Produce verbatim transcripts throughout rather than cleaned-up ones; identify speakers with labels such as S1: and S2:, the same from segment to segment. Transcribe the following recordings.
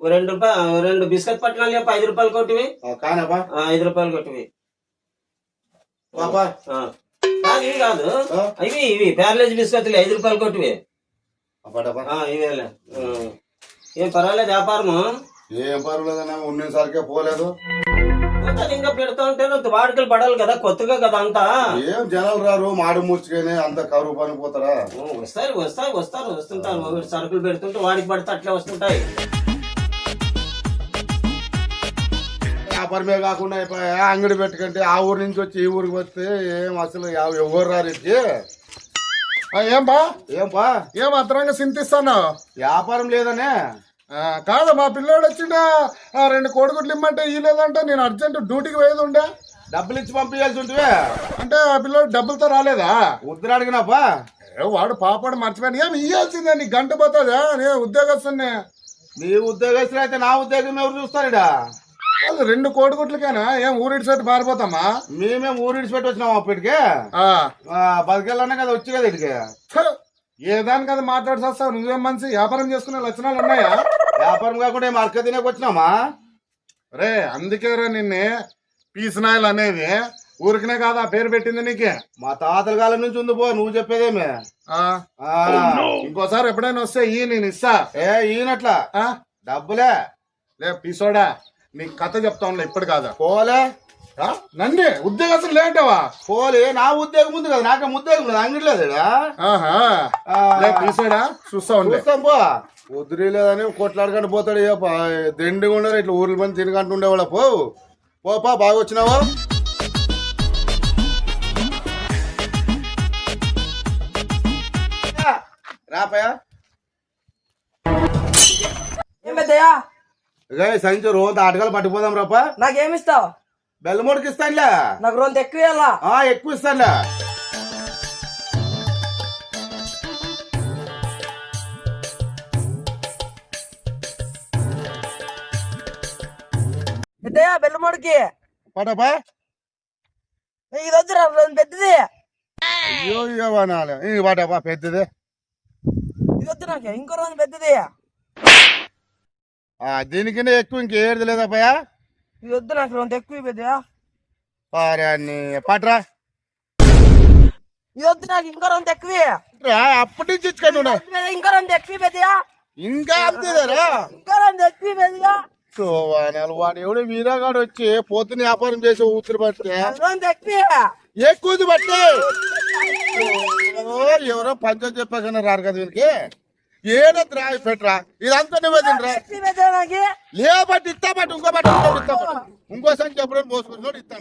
S1: రెండు రూపాయలు రెండు బిస్కెట్ పట్టణాలు చెప్ప ఐదు రూపాయలు కొట్టివి
S2: కానప్పా
S1: ఐదు రూపాయలు కొట్టివి
S2: పాపా
S1: ఇవి కాదు ఇవి ఇవి ప్యారలైజ్ బిస్కెట్లు ఐదు రూపాయలు కొట్టివి ఇవేలే ఏం పర్వాలేదు వ్యాపారము
S2: ఏం పర్వాలేదన్నా ఉన్నసరికే పోలేదు
S1: ఇంకా పెడతా ఉంటే వాడుకలు పడాలి కదా కొత్తగా కదా అంతా
S2: ఏం జనాలు రారు మాడి మూర్చుకొని అంత కరువు పని పోతారా
S1: వస్తాయి వస్తాయి వస్తారు వస్తుంటారు సరుకులు పెడుతుంటే వాడికి పడితే అట్లే వస్తుంటాయి
S2: వ్యాపారమే కాకుండా అంగడి పెట్టుకుంటే ఆ ఊరు నుంచి వచ్చి ఈ ఊరికి వస్తే ఏం అసలు ఎవరు రారు ఇచ్చి
S3: ఏం బా
S2: ఏం బా
S3: ఏం అతనంగా చింతిస్తాను
S2: వ్యాపారం లేదనే
S3: కాదు మా పిల్లోడు వచ్చిండ రెండు కోడిగుడ్లు ఇమ్మంటే ఈ లేదంటే నేను అర్జెంట్ డ్యూటీకి పోయేది ఉండే
S2: డబ్బులు ఇచ్చి పంపించాల్సి ఉంటే
S3: అంటే ఆ పిల్లోడు డబ్బులతో రాలేదా
S2: ఉద్దరు అడిగినాపా
S3: వాడు పాపాడు మర్చిపోయాను ఏం ఇయ్యాల్సిందే నీ గంట పోతుందా నే ఉద్యోగస్తున్నే
S2: నీ ఉద్యోగస్తులు అయితే నా ఉద్యోగం ఎవరు చూస్తారా
S3: రెండు కోడిగుడ్లకేనా ఏం ఊరిడి సెట్ పారిపోతామా
S2: మేమేం ఊరిడిచి పెట్టి వచ్చినాం అప్పటికే బతికెళ్ళనే కదా వచ్చి కదా ఇటుకే
S3: ఏదాని కదా మాట్లాడి వస్తావు నువ్వేం మనిషి వ్యాపారం చేసుకునే లక్షణాలు ఉన్నాయా
S2: వ్యాపారం కాకుండా ఏం అరక తినేకి వచ్చినామా
S3: రే అందుకేరా నిన్నే పీసనాయలు అనేది ఊరికనే కాదు ఆ పేరు పెట్టింది నీకే
S2: మా తాతల కాలం నుంచి ఉంది పో నువ్వు చెప్పేదేమే
S3: ఇంకోసారి ఎప్పుడైనా వస్తే ఈ నేను ఇస్తా
S2: ఏ ఈయనట్లా డబ్బులే
S3: లే పీసోడా నీ కథ చెప్తా ఉన్నా ఇప్పుడు కాదా
S2: పోలే
S3: నన్నే ఉద్యోగస్తులు లేంటావా
S2: పోలే నా ఉద్యోగం ఉంది కదా నాకే ఉద్యోగం లేదు అంగడి లేదు
S3: పీసోడా చూస్తా
S2: చూస్తాం పో వదిలే లేదని కొట్లాడుకుంటూ పోతాడు దిండిగా ఉండరు ఇట్లా ఊర్ల మంది తినకంటూ ఉండేవాళ్ళ పో పోపా బాగా వచ్చినావా రాపయా సంచి రోజు ఆటగాలు పట్టుకుపోదాం రాపా
S4: నాకేమిస్తావు
S2: బెల్లమూడికి ఇస్తానులే
S4: నాకు రోజు ఎక్కువ
S2: ఎక్కువ ఇస్తానులే
S4: బెల్లమూడికి
S2: పటపా
S4: ఇది వద్దు పెద్దది
S2: అయ్యో ఇవ్వాలి పటపా పెద్దది
S4: ఇది వద్దు నాకు ఇంకో రోజు పెద్దది
S2: దీనికన్నా ఎక్కువ ఇంకేది లేదప్పయా
S4: ఇది వద్దు నాకు రోజు ఎక్కువ పెద్దయా
S2: పట్రా
S4: ఇది వద్దు నాకు ఇంకో రోజు ఎక్కువ
S2: అప్పటి నుంచి ఇచ్చుకోండి
S4: ఇంకో రోజు ఎక్కువ పెద్దయా
S2: ఇంకా అంతేదారా
S4: ఇంకో రోజు ఎక్కువ పెద్దగా
S2: వాడు ఎవడో వీరాగాడు వచ్చి పొద్దున వ్యాపారం చేసి ఊపిరి పడితే
S4: ఎక్కువ
S2: ఎక్కువది బట్టి ఎవరో పంచాయతీ చెప్పాకన్నా రారు కదా వీరికి ఏదైతే రా పెట్టరా ఇదంతా నువ్వే తినరా లే బట్టి ఇస్తా బట్టి ఇంకో బట్టి ఇస్తా ఇంకో సంఖ్య ఎప్పుడైనా పోసుకున్నాడు ఇస్తా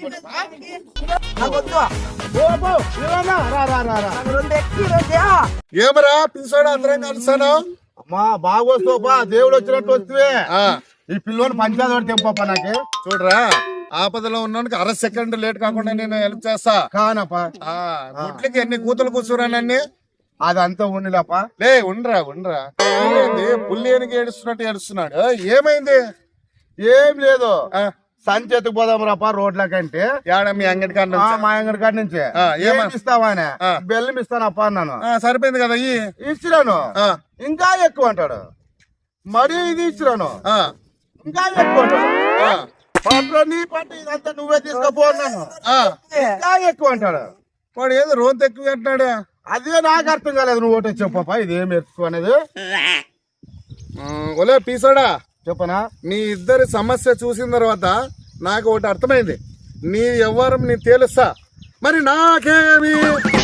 S3: ఏమరా పిలిచాడు అందరం కలిసాను
S2: అమ్మా బాగా వస్తావుపా దేవుడు వచ్చినట్టు వస్తే ఈ పిల్లోని పంచాయతీ తెంపా నాకు
S3: చూడరా ఆపదలో ఉన్నానికి అర సెకండ్ లేట్ కాకుండా నేను హెల్ప్ చేస్తా
S2: కానప్పా
S3: గుట్లకి ఎన్ని కూతులు కూర్చురానన్ని
S2: అదంతా ఉండిలేపా
S3: లే ఉండరా ఉండరా పుల్లి ఎనికి ఏడుస్తున్నట్టు ఏడుస్తున్నాడు ఏమైంది
S2: ఏం లేదు సంచేతకు పోదాం రాపా రోడ్ల కంటే
S3: మీ అంగడి కాడ
S2: మా అంగడి కాడి నుంచి ఏమిస్తావా ఆయన బెల్లం ఇస్తానప్పా అన్నాను
S3: సరిపోయింది కదా ఈ
S2: ఇచ్చిరాను ఇంకా ఎక్కువ అంటాడు మరీ ఇది ఇచ్చిరాను ఇంకా ఎక్కువ అంటాడు పట్ల నీ పట్ల ఇదంతా నువ్వే తీసుకుపోన్నాను ఇంకా ఎక్కువ అంటాడు
S3: వాడు ఏదో రోంత ఎక్కువ అంటున్నాడు
S2: అదే నాకు అర్థం కాలేదు నువ్వు ఒకటి చెప్పపా ఇది ఏమి ఎక్కువ అనేది
S3: ఒలే పీసాడా
S2: చెప్పనా
S3: మీ ఇద్దరి సమస్య చూసిన తర్వాత నాకు ఒకటి అర్థమైంది నీ వ్యవహారం నీ తేలుస్తా మరి నాకేమి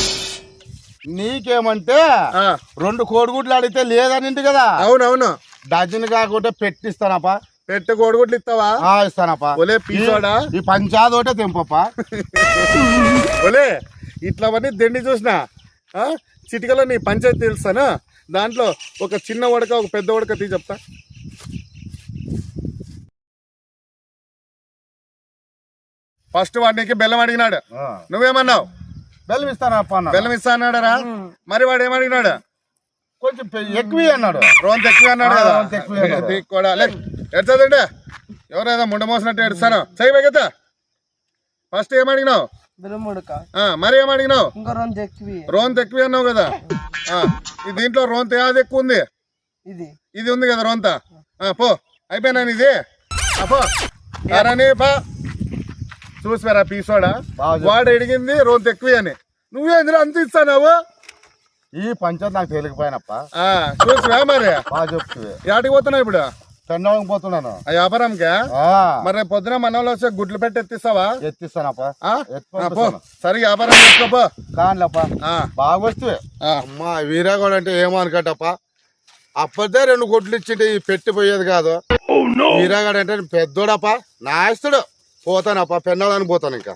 S2: నీకేమంటే రెండు కోడిగుడ్లు అడిగితే లేదనింటి కదా
S3: అవునవును
S2: డజన్ కాకుండా పెట్టిస్తానప్పా
S3: పెట్ట కోడిగుడ్లు ఇస్తావా
S2: ఇస్తానప్పా
S3: ఒలే పీసోడా
S2: ఈ పంచాయతీ ఒకటే తెంపప్పా
S3: ఒలే ఇట్లవన్నీ దండి చూసిన చిటికలో నీ పంచాయతీ తెలుస్తాను దాంట్లో ఒక చిన్న ఉడక ఒక పెద్ద ఉడక తీ చెప్తా ఫస్ట్ వాడికి బెల్లం అడిగినాడు నువ్వేమన్నావు
S2: బెల్లం ఇస్తానప్పా
S3: బెల్లం ఇస్తా అన్నాడరా మరి వాడు ఏమడిగినాడు
S2: కొంచెం ఎక్కువ అన్నాడు
S3: రోంత ఎక్కువ అన్నాడు కదా కూడా లే ఎడుతుందంటే ఎవరైనా ముండ మోసినట్టు ఎడుస్తాను సై బెగతా ఫస్ట్ ఏమడిగినావు మరి ఏమడిగినావు రోంత ఎక్కువ అన్నావు కదా దీంట్లో రోంత యాది ఎక్కువ ఉంది ఇది ఉంది కదా రోంత పో అయిపోయినా ఇది అబ్బో అరని బా చూసిపోయారా పీసోడా
S2: బాగా
S3: వాడు అడిగింది రోజు ఎక్కువ అని నువ్వేంద్ర అంత ఇస్తావు
S2: ఈ పంచాయతీ నాకు తెలియకపోయినప్ప
S3: చూసివా మరి
S2: బాగా చెప్తుంది
S3: యాటికి పోతున్నావు ఇప్పుడు
S2: పెండవకి పోతున్నాను
S3: ఆ వ్యాపారంకే
S2: ఆ,
S3: మరి రేపు పొద్దున మనలో వచ్చే గుడ్లు పెట్టి ఎత్తిస్తావా
S2: ఎత్తిస్తానప్ప
S3: ఆ?
S2: ఎత్తి
S3: ఆ, పో
S2: పంపిస్తాను.
S3: సరే వ్యాపారం చేసుకోపో
S2: కానిలేప్ప
S3: ఆ,
S2: బాగా వస్తే
S3: ఆ.
S2: అమ్మా వీరాగోడ అంటే ఏమో అనుకట్టప్ప అప్పటిదే రెండు కొట్లు ఇచ్చింటే ఈ పెట్టిపోయేది కాదు వీరాగడ అంటే పెద్దోడప్ప నాయస్తుడు పోతానప్ప పెన్నడానికి పోతాను ఇంకా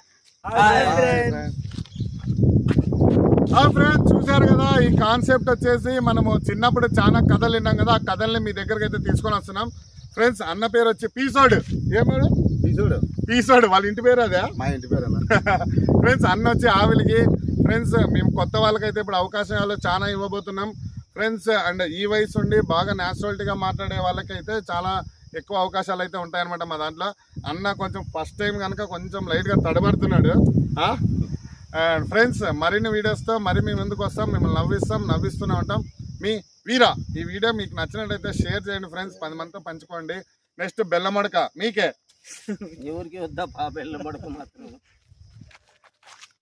S3: ఫ్రెండ్స్ చూసారు కదా ఈ కాన్సెప్ట్ వచ్చేసి మనము చిన్నప్పుడు చాలా కథలు విన్నాం కదా ఆ కథల్ని మీ దగ్గరికి అయితే తీసుకొని వస్తున్నాం ఫ్రెండ్స్. అన్న పేరు వచ్చి పీసోడ్ ఏమాడు
S2: చూడు
S3: పీసోడ్ వాళ్ళ ఇంటి పేరు అదే
S2: మా ఇంటి పేరు
S3: ఫ్రెండ్స్. అన్న వచ్చి ఆవిలికి ఫ్రెండ్స్ మేము కొత్త వాళ్ళకైతే ఇప్పుడు అవకాశాలు చాలా ఇవ్వబోతున్నాం ఫ్రెండ్స్. అండ్ ఈ వయసు ఉండి బాగా న్యాచురాలిటీగా మాట్లాడే వాళ్ళకైతే చాలా ఎక్కువ అవకాశాలు అయితే ఉంటాయన్నమాట మా దాంట్లో. అన్న కొంచెం ఫస్ట్ టైం కనుక కొంచెం లైట్గా తడబడుతున్నాడు. అండ్ ఫ్రెండ్స్ మరిన్ని వీడియోస్తో మరి మేము ఎందుకు వస్తాం, మిమ్మల్ని నవ్విస్తాం, నవ్విస్తూనే ఉంటాం. మీ వీరా. ఈ వీడియో మీకు నచ్చినట్టయితే షేర్ చేయండి ఫ్రెండ్స్, పది మందితో పంచుకోండి. నెక్స్ట్ బెల్లమడక మీకే
S1: ఎవరికి వద్దా పా బెల్లం పడక మాత్రం